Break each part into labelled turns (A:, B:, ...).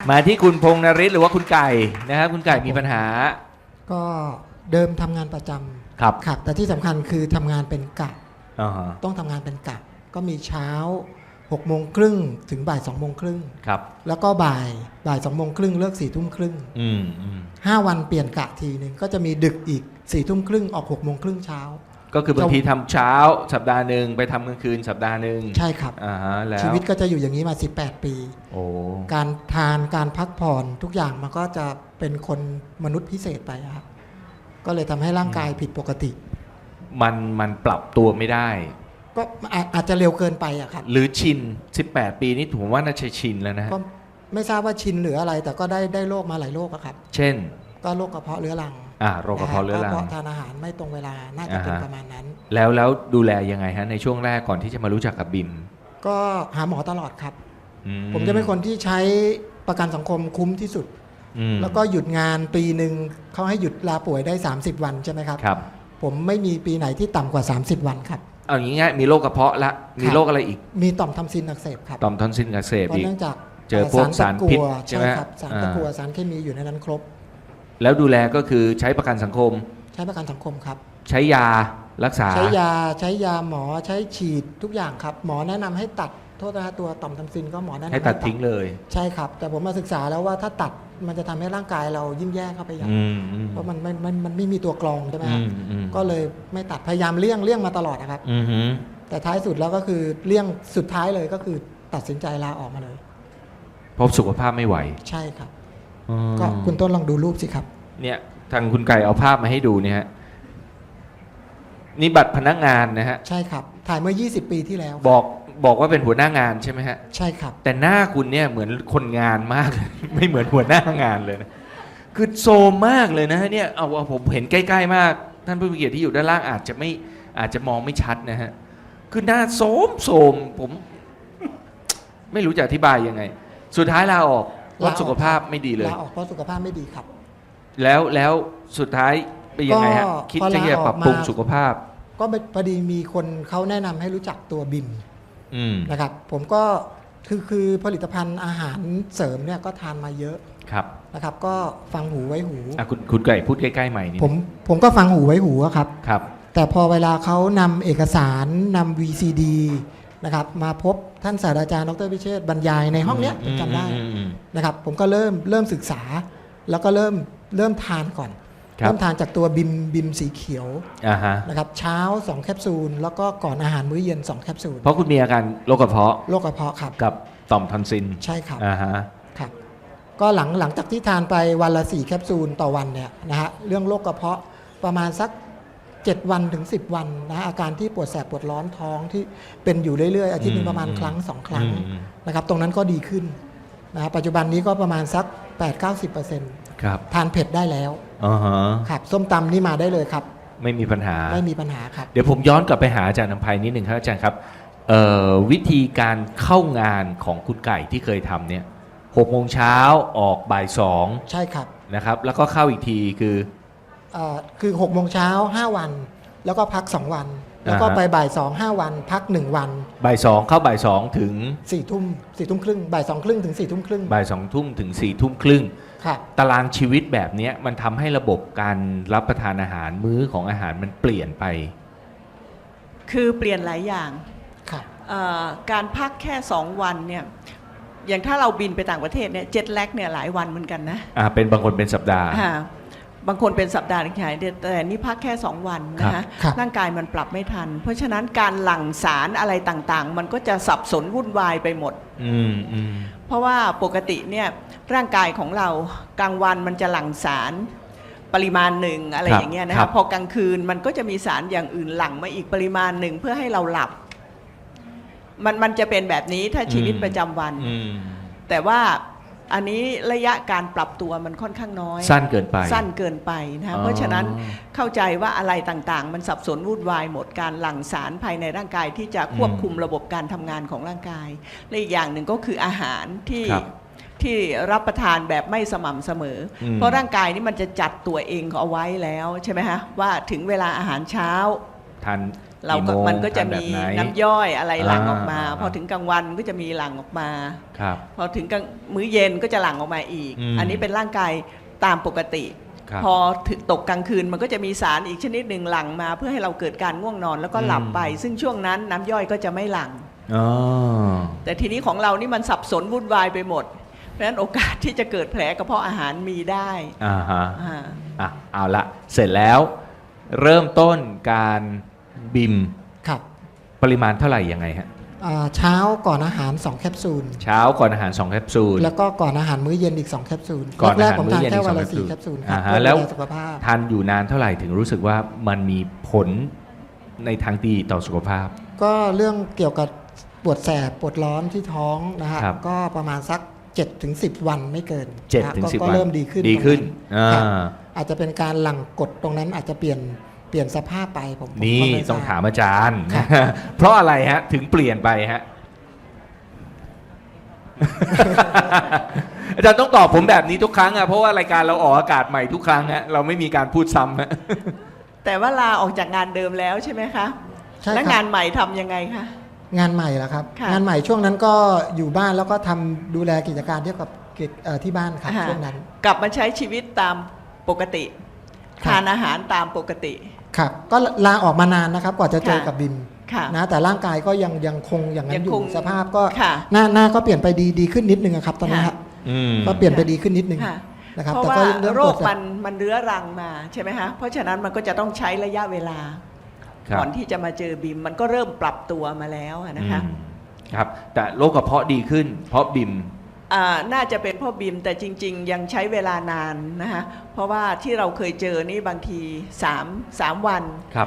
A: มาที่คุณพงษ์นฤทธิ์หรือว่าคุณไก่นะครับคุณไก่มีปัญหา
B: ก็เดิมทำงานประจำ
A: ครับ
B: ครับแต่ที่สำคัญคือทำงานเป็นกะ
A: อ่าฮะ
B: ต้องทำงานเป็นกะก็มีเช้า6โมงครึ่งถึงบ่าย2โมงครึ่ง
A: ครับ
B: แล้วก็บ่าย2โมงครึ่งเลิก4ทุ่มครึ่ง
A: อืม
B: 5 วันเปลี่ยนกะทีหนึ่งก็จะมีดึกอีก4ทุ่มครึ่งออก6โมงครึ่งเช้า
A: ก็คือบางทีทำเช้าสัปดาห์หนึ่งไปทำกลางคืนสัปดาห์หนึ่ง
B: ใช่ครับ
A: แล้ว
B: ชีวิตก็จะอยู่อย่างนี้มา18 ปี
A: โอ้
B: การทานการพักผ่อนทุกอย่างมันก็จะเป็นคนมนุษย์พิเศษไปครับก็เลยทำให้ร่างกายผิดปกติ
A: มันปรับตัวไม่ได้
B: ก็อาจจะเร็วเกินไปอะครับ
A: หรือชิน18 ปีนี่ผมว่าน่าจะชินแล้วนะฮะ
B: ก็ไม่ทราบว่าชินหรืออะไรแต่ก็ได้โรคมาหลายโรคอะครับ
A: เช่น
B: ก็โรคกระเพาะเรื้อรัง
A: โรคกระเพาะเรื้อรัง
B: เพราะทานอาหารไม่ตรงเวลาน่าจะเป็นประมาณนั้น
A: แล้วดูแลยังไงฮะในช่วงแรกก่อนที่จะมารู้จักกับบิม
B: ก็หาหมอตลอดครับผมจะเป็นคนที่ใช้ประกันสังคมคุ้มที่สุดแล้วก็หยุดงานปีหนึ่งเขาให้หยุดลาป่วยได้30 วันใช่ไหมครับ
A: ครับ
B: ผมไม่มีปีไหนที่ต่ำกว่า30 วันครับ
A: เอาอย่างงี้มีโรคกระเพาะละมีโรคอะไรอีก
B: มีต่อมทำซินอักเสบครับ
A: ต่อมทอนซิลอักเสบอีก
B: เนื่องจาก
A: เจอพวกสารพิษใช่ไหม
B: ครับสารตะกั่วสารเคมีอยู่ในนั้นครบ
A: แล้วดูแลก็คือใช้ประกันสังคม
B: ใช้ประกันสังคมครับ
A: ใช้ยารักษา
B: ใช้ยาหมอใช้ฉีดทุกอย่างครับหมอแนะนำให้ตัดโทษนะตัวต่อมทำซินก็หมอแนะนำ
A: ให้ตัดทิ้งเลย
B: ใช่ครับแต่ผมมาศึกษาแล้วว่าถ้าตัดมันจะทำให้ร่างกายเรายิ่งแย่เข้าไปอย่างเพราะมันไม่มีตัวกรองใช่ไหมครับก็เลยไม่ตัดพยายามเลี่ยงมาตลอดนะครับแต่ท้ายสุดแล้วก็คือเลี่ยงสุดท้ายเลยก็คือตัดสินใจลาออกมาเลย
A: เพราะสุขภาพไม่ไหว
B: ใช่ครับก็คุณต้นลองดูรูปสิครับ
A: เนี่ยทางคุณไก่เอาภาพมาให้ดูเนี่ยฮะนี่บัตรพนักงานนะฮะ
B: ใช่ครับถ่ายเมื่อ20 ปีที่แล้ว
A: บอกว่าเป็นหัวหน้างานใช่ไหมฮะ
B: ใช่ครับ
A: แต่หน้าคุณเนี่ยเหมือนคนงานมาก ไม่เหมือนหัวหน้างานเลยนะคือโซมมากเลยนะฮะเนี่ยเอาผมเห็นใกล้ๆมากท่านผู้มีเกียรติที่อยู่ด้านล่างอาจจะมองไม่ชัดนะฮะคือหน้าโสมผมไม่รู้จะอธิบายยังไงสุดท้ายลาออกเพราะสุขภาพไม่ดีเลย
B: ลาออกเพราะสุขภาพไม่ดีครับ
A: แล้วสุดท้ายเป็นยังไงฮะคิดจะปรับปรุงสุขภาพ
B: ก็พอดีมีคนเขาแนะนำให้รู้จักตัวบิมนะครับผมก็คือผลิตภัณฑ์อาหารเสริมเนี่ยก็ทานมาเยอะ
A: ครับ
B: นะครับก็ฟังหูไว้หู
A: คุณไก่พูดใกล้ๆใหม่นี่
B: ผมก็ฟังหูไว้หูครับ
A: ครับ
B: แต่พอเวลาเขานำเอกสารนำ VCD นะครับมาพบท่านศาสตราจารย์ดร.พิเชษฐ์บรรยายในห้องเนี้ยผมจำได้นะครับผมก็เริ่มศึกษาแล้วก็เริ่มทานก่อนเริ่มทานจากตัวบิมสีเขียวนะครับเช้า2แคปซูลแล้วก็ก่อนอาหารมื้อเย็น2แคปซูล
A: เพราะคุณมีอาการโรคกระเพาะ
B: ครับ
A: กับต่อมทอนซิล
B: ใช่ครับครับก็หลังจากที่ทานไปวันละ4แคปซูลต่อวันเนี่ยนะฮะเรื่องโรคกระเพาะประมาณสัก7 วันถึง10 วันนะอาการที่ปวดแสบปวดร้อนท้องที่เป็นอยู่เรื่อยๆอาทิตย์นึงประมาณครั้ง2 ครั้งนะครับตรงนั้นก็ดีขึ้นนะปัจจุบันนี้ก็ประมาณสัก 8-90%
A: ครับ
B: ทานเผ็ดได้แล้วครับส้มตำนี่มาได้เลยครับ
A: ไม่มีปัญหา
B: ครับ
A: เดี๋ยวผมย้อนกลับไปหาอาจารย์นำไพนิดหนึ่งครับอาจารย์ครับวิธีการเข้างานของคุณไก่ที่เคยทำเนี่ย6 โมงเช้าออกบ่าย2
B: ใช่ครับ
A: นะครับแล้วก็เข้าอีกทีคือ
B: 6 โมงเช้า5 วันแล้วก็พัก2 วันแล้วก็ไปบ่าย2 5 วันพัก1 วัน
A: บ่าย2เข้าบ่าย2ถึง
B: 4 ทุ่มครึ่งบ่าย2 ครึ่งถึง4 ทุ่มครึ่ง
A: บ่าย2 ทุ่มถึง4 ทุ่มครึ่งตารางชีวิตแบบนี้มันทำให้ระบบการรับประทานอาหารมื้อของอาหารมันเปลี่ยนไป
C: คือเปลี่ยนหลายอย่างการพักแค่2 วันเนี่ยอย่างถ้าเราบินไปต่างประเทศเนี่ยเจ็ตแลกเนี่ยหลายวันเหมือนกันนะ
A: เป็นบางคนเป็นสัปดาห์
C: บางคนเป็นสัปดาห์ใหญ่แต่นี่พักแค่2 วันนะคะร่างกายมันปรับไม่ทันเพราะฉะนั้นการหลั่งสารอะไรต่างๆมันก็จะสับสนวุ่นวายไปหมดเพราะว่าปกติเนี่ยร่างกายของเรากลางวันมันจะหลั่งสารปริมาณหนึ่งอะไรอย่างเงี้ยนะคะพอกลางคืนมันก็จะมีสารอย่างอื่นหลั่งมาอีกปริมาณหนึ่งเพื่อให้เราหลับมันจะเป็นแบบนี้ถ้าชีวิตประจำวันแต่ว่าอันนี้ระยะการปรับตัวมันค่อนข้างน้อย
A: สั้นเกินไป
C: นะเพราะฉะนั้นเข้าใจว่าอะไรต่างๆมันสับสนวุ่นวายหมดการหลั่งสารภายในร่างกายที่จะควบคุมระบบการทำงานของร่างกายและอีกอย่างหนึ่งก็คืออาหารที่รับประทานแบบไม่สม่ำเสมอเพราะร่างกายนี่มันจะจัดตัวเองเอาไว้แล้วใช่ไหมฮะว่าถึงเวลาอาหารเช้า
A: ทาน
C: เราก็
A: กี่โมง
C: มันก็จะ
A: ทานแบบ
C: มี
A: ไหน
C: น้ำย่อยอะไรหลั่งออกมา
A: อ่า
C: พอถึงกลางวันก็จะมีหลั่งออกมา
A: ครับ
C: พอถึงกลางมื้อเย็นก็จะหลั่งออกมาอีก อันนี้เป็นร่างกายตามปกติ
A: ครับ
C: พอถึงตกกลางคืนมันก็จะมีสารอีกชนิดหนึ่งหลั่งมาเพื่อให้เราเกิดการง่วงนอนแล้วก็หลับไป ซึ่งช่วงนั้นน้ำย่อยก็จะไม่หลั่ง
A: อ๋อ
C: แต่ทีนี้ของเรานี่มันสับสนวุ่นวายไปหมด เพราะฉะนั้นโอกาสที่จะเกิดแผลกระเพาะอาหารมีได้
A: อ่าฮะ
C: อ่า
A: อ่ะเอาละเสร็จแล้วเริ่มต้นการบิม
B: ครับ
A: ปริมาณเท่าไหร่ยังไงฮะ
B: เช้าก่อนอาหาร 2 แคปซูล
A: เช้าก่อนอาหาร2แคปซูล
B: แล้วก็ก่อนอาหารมื้อเย็นอีก 2 แคปซูล
A: ก่อนอาหาร
B: แรกๆผมทาน
A: มื้อเย็น
B: แค่
A: อีก
B: วันละ
A: 2
B: 4 แคปซูลครั
A: อ่า
B: บ
A: ฮะ
B: เพื่อ
A: แล้ว
B: ดูแลสุขภาพ
A: ทานอยู่นานเท่าไหร่ถึงรู้สึกว่ามันมีผลในทางดีต่อสุขภาพ
B: ก็เรื่องเกี่ยวกับปวดแสบปวดร้อนที่ท้องนะฮะ
A: ครับ
B: ก็ประมาณสัก 7-10 วันไม่เกิน
A: 7 ถึง
B: นะฮะ
A: 10
B: ก็
A: วัน
B: เริ่มดีขึ้น
A: ดีขึ้น
B: ตรง
A: อ่า
B: ครับอาจจะเป็นการหลั่งกดตรงนั้นอาจจะเปลี่ยนสภาพไปผม
A: นี่
B: ก็ไทรบ
A: ต้องถามอาจารย์
B: ครับ
A: เพราะอะไรฮะ ถึงเปลี่ยนไปฮะ อาจารย์ต้องตอบผมแบบนี้ทุกครั้งอะเพราะว่ารายการเราออกอากาศใหม่ทุกครั้งฮะเราไม่มีการพูดซ้ำฮะ
C: แต่ว่าลาออกจากงานเดิมแล้วใช่ไหมคะ
B: ใช่
C: แล้ว
B: ครั
C: งา
B: บ
C: นใหม่ทำยังไงคะ
B: งานใหม่แล้วครับ
C: ค่ะ
B: งานใหม่ช่วงนั้นก็อยู่บ้านแล้วก็ทำดูแลกิจการเกี่ยวกับที่บ้านครับ
C: อ่า
B: ช่วงนั้น
C: กลับมาใช้ชีวิตตามปกติ
B: ครับ
C: ทานอาหารตามปกติ
B: ครับก็ลาออกมานานนะครับกว่าจะเจอ
C: ค่ะ
B: กับบิม
C: ค่ะ
B: นะแต่ร่างกายก็ยังคงอย่างนั้นอ
C: ยังค
B: ยู่
C: ง
B: สภาพก็
C: ค่ะ
B: หน้าก็เปลี่ยนไปดีขึ้นนิดนึงอะครับตอนนี้
C: ค่ะ
B: ฮะ
A: อืม
B: ก็เปลี่ยนไปดีขึ้นนิดนึง
C: ค่ะ
B: นะครับ
C: เพราะ
B: แต่
C: ว่า
B: ก็เริ่ม
C: โร
B: ปว
C: ค
B: ดแสบ
C: มันเรื้อรังมาใช่ไหมคะเพราะฉะนั้นมันก็จะต้องใช้ระยะเวลา
A: ครับ
C: ก่อนที่จะมาเจอบิมมันก็เริ่มปรับตัวมาแล้วอะนะคะ
A: อืมครับ แต่โรคกระเพาะดีขึ้น เพราะบิม
C: น่าจะเป็นเพ่อบิมแต่จริง ๆ ยังใช้เวลานานนะคะเพราะว่าที่เราเคยเจอนี่บางที3 วัน
A: ครับ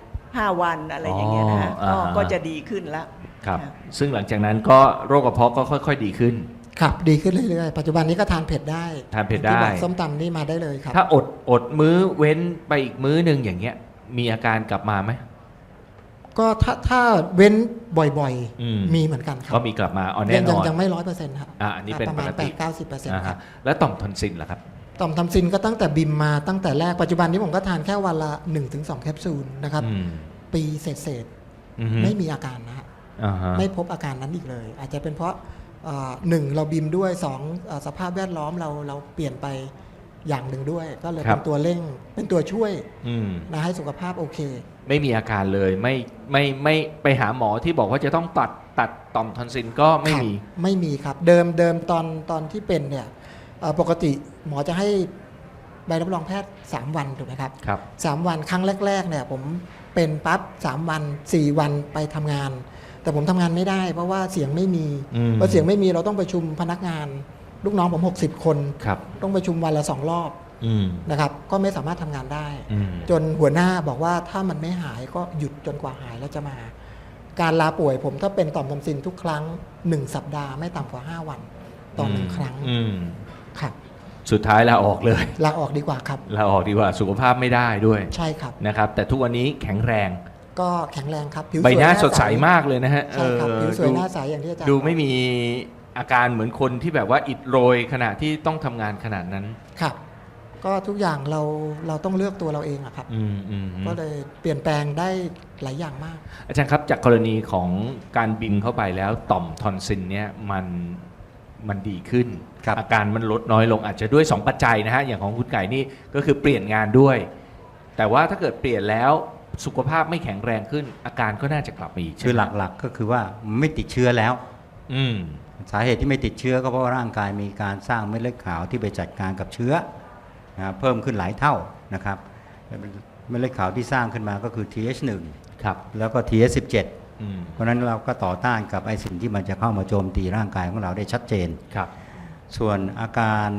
C: 5 วันอะไรอย่างเงี้ยนะคะ
A: อ๋ออ่าฮะ
C: ก็จะดีขึ้นแล้ว
A: ครับ
C: ค่ะ
A: ซึ่งหลังจากนั้นก็โรคกระเพาะก็ค่อยๆดีขึ้น
B: ครับดีขึ้นเรื่อยๆปัจจุบันนี้ก็ทานเผ็ดได้
A: ทานเผ็ดได้
B: ที่บอกส้มตำนี่มาได้เลยครับ
A: ถ้าอดมื้อเว้นไปอีกมื้อหนึ่งอย่างเงี้ย มีอาการกลับมาไหม
B: ก็ถ้าเว้นบ่อย
A: อืม
B: มีเหมือนกันครั
A: ก็มีกลับมาอ๋อแน่
B: ยัง
A: นอน
B: ยังไม่100%ครับ
A: อันนี้เป็น
B: ประ
A: ป
B: มาณ
A: กติ
B: 8-90%
A: อ่า
B: ครั
A: ฮะ
B: บ
A: แล้วต่อมทอนซิลล่ะครับ
B: ต่อมทำซินก็ตั้งแต่บิมมาตั้งแต่แรกปัจจุบันนี้ผมก็ทานแค่วันละ 1-2 แคปซูลนะครับ
A: อืม
B: ปีเศษ
A: อือฮึ
B: ๆไม่มีอาการนะฮะ
A: อ่าฮะ
B: ไม่พบอาการนั้นอีกเลย อาจจะเป็นเพราะหนึ่งเราบิมด้วยสองสภาพแวดล้อมเราเปลี่ยนไปอย่างหนึ่งด้วย ก็เลยเป็นตัวเร่งเป็นตัวช่วย
A: อืม
B: นะให้สุขภาพโอเค
A: ไม่มีอาการเลยไม่ไปหาหมอที่บอกว่าจะต้องตัดต่อมทอนซิลก็ไม่
B: ครับ
A: มี
B: ไม่มีครับ เดิมตอนที่เป็นเนี่ยปกติหมอจะให้ใบรับรองแพทย์3 วันถูกไหมครับ
A: ครับ
B: 3 วันครั้งแรกๆเนี่ยผมเป็นปั๊บ3 วัน 4 วันไปทำงาน แต่ผมทำงานไม่ได้เพราะว่าเสียงไม่มี
A: อืม
B: พอเสียงไม่มีเราต้องประชุมพนักงาน ลูกน้องผม60 คน
A: ครับ
B: ต้องประชุมวันละ2 รอบ
A: อืม
B: นะครับก็ไม่สามารถทำงานได้
A: อืม
B: จนหัวหน้าบอกว่าถ้ามันไม่หายก็หยุดจนกว่าหายแล้วจะมา การลาป่วยผมถ้าเป็นต่อมทำซินทุกครั้ง 1 สัปดาห์ไม่ต่ำกว่า 5 วันต่อ1 ครั้ง
A: อืม
B: ครับ
A: สุดท้ายลาออกเลย
B: ลาออกดีกว่าครับ
A: ลาออกดีกว่าสุขภาพไม่ได้ด้วย
B: ใช่ครับ
A: นะครับ แต่ทุกวันนี้แข็งแรง
B: ก็แข็งแรงครับผิว
A: ใบ
B: สวย
A: หน้า
B: ใ
A: สดใสมากเลยนะฮะ
B: ใช่ครับผิวสวย
A: ดู
B: หน้าใสอย่างที่อาจารย์
A: ดู
B: บอก
A: ไม่มีอาการเหมือนคนที่แบบว่าอิดโรยขณะที่ต้องทำงานขนาดนั้น
B: ครับ ก็ทุกอย่างเราต้องเลือกตัวเราเองอะครับ
A: อืมอืม
B: ก็เลยเปลี่ยนแปลงได้หลายอย่างมาก
A: อาจารย์ครับจากกรณีของการบินเข้าไปแล้วต่อมทอนซิลเนี่ยมันดีขึ้น
D: ครับ
A: อาการมันลดน้อยลงอาจจะด้วย 2 ปัจจัยนะฮะอย่างของคุณไก่นี่ก็คือเปลี่ยนงานด้วย แต่ว่าถ้าเกิดเปลี่ยนแล้วสุขภาพไม่แข็งแรงขึ้น อาการก็น่าจะกลับมาอีก
D: คือ
A: ใช่ไม
D: หลักๆก็คือว่าไม่ติดเชื้อแล้ว
A: อืม
D: สาเหตุที่ไม่ติดเชื้อก็เพราะว่าร่างกายมีการสร้างเม็ดเลือดขาวที่ไปจัดการกับเชื้อนะเพิ่มขึ้นหลายเท่านะครับเม็ดเลือดขาวที่สร้างขึ้นมาก็คือ TH1
A: ครับ
D: แล้วก็ TH17
A: อืม
D: เพราะฉะนั้นเราก็ต่อต้านกับไอสิ่งที่มันจะเข้ามาโจมตีร่างกายของเราได้ชัดเจน
A: ครับ
D: ส่วนอา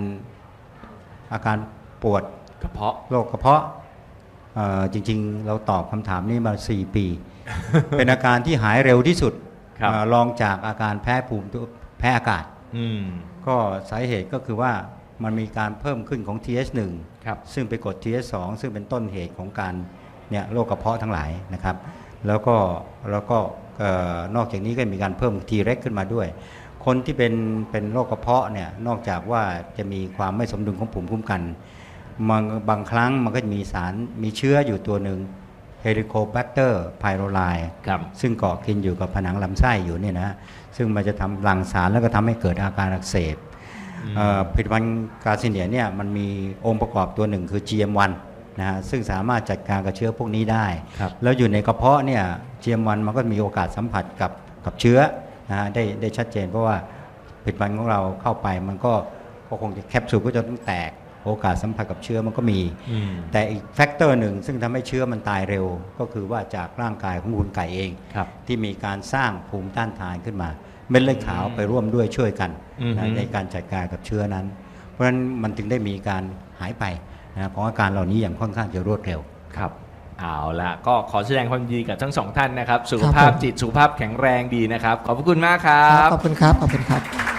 D: การปวด
A: กระเพาะ
D: โรคกระเพาะจริงๆ เราตอบคำถามนี้มา 4 ปี เป็นอาการที่หายเร็วที่สุด
A: ครับ
D: รองจากอาการแพ้แพ้อากาศ
A: อืม
D: ก็สาเหตุก็คือว่ามันมีการเพิ่มขึ้นของ TH1
A: ครับ
D: ซึ่งไปกด TH2 ซึ่งเป็นต้นเหตุของการเนี่ยโรคกระเพาะทั้งหลายนะครับ แล้วก็นอกจากนี้ก็มีการเพิ่ม T-REX ขึ้นมาด้วย คนที่เป็นโรคกระเพาะเนี่ยนอกจากว่าจะมีความไม่สมดุลของภูมิคุ้มกันบางครั้งมันก็จะมีสารมีเชื้ออยู่ตัวหนึ่ง Helicobacter pylori
A: ครับ
D: ซึ่งเกาะกินอยู่กับผนังลำไส้อยู่เนี่ยนะซึ่งมันจะทำหลั่งสารแล้วก็ทำให้เกิดอาการอักเสบผลิตภัณฑ์กาซิเนียเนี่ยมันมีองค์ประกอบตัวหนึ่งคือ GM1 นะฮะซึ่งสามารถจัดการกับเชื้อพวกนี้ได้
A: ครับ
D: แล้วอยู่ในกระเพาะเนี่ย GM1 มันก็มีโอกาสสัมผัสกับเชื้อนะฮะได้ชัดเจนเพราะว่าผลิตภัณฑ์ของเราเข้าไปมันก็คงจะแคปซูลก็จะต้องแตกโอกาสสัมผัสกับเชื้อมันก็มี แต่อีกแฟกเตอร์หนึ่งซึ่งทำให้เชื้อมันตายเร็วก็คือว่าจากร่างกายของคุณไก่เอง
A: ครับ
D: ที่มีการสร้างภูมิต้านทานขึ้นมาเม็ดเลือดขาวไปร่วมด้วยช่วยกัน
A: อือฮึ
D: นะในการจัดการกับเชื้อนั้น เพราะฉะนั้นมันถึงได้มีการหายไปนะของอาการเหล่านี้อย่างค่อนข้างจะรวดเร็ว
A: ครับเอาละก็ขอแสดงความยินดีกับทั้งสองท่านนะครับ สุข
B: ครับ
A: ภาพ
B: ผม
A: จิตสุขภาพแข็งแรงดีนะครับ ขอบพระคุณมากครั
B: ครับ บขอบคุณครับ ขอบคุณครับ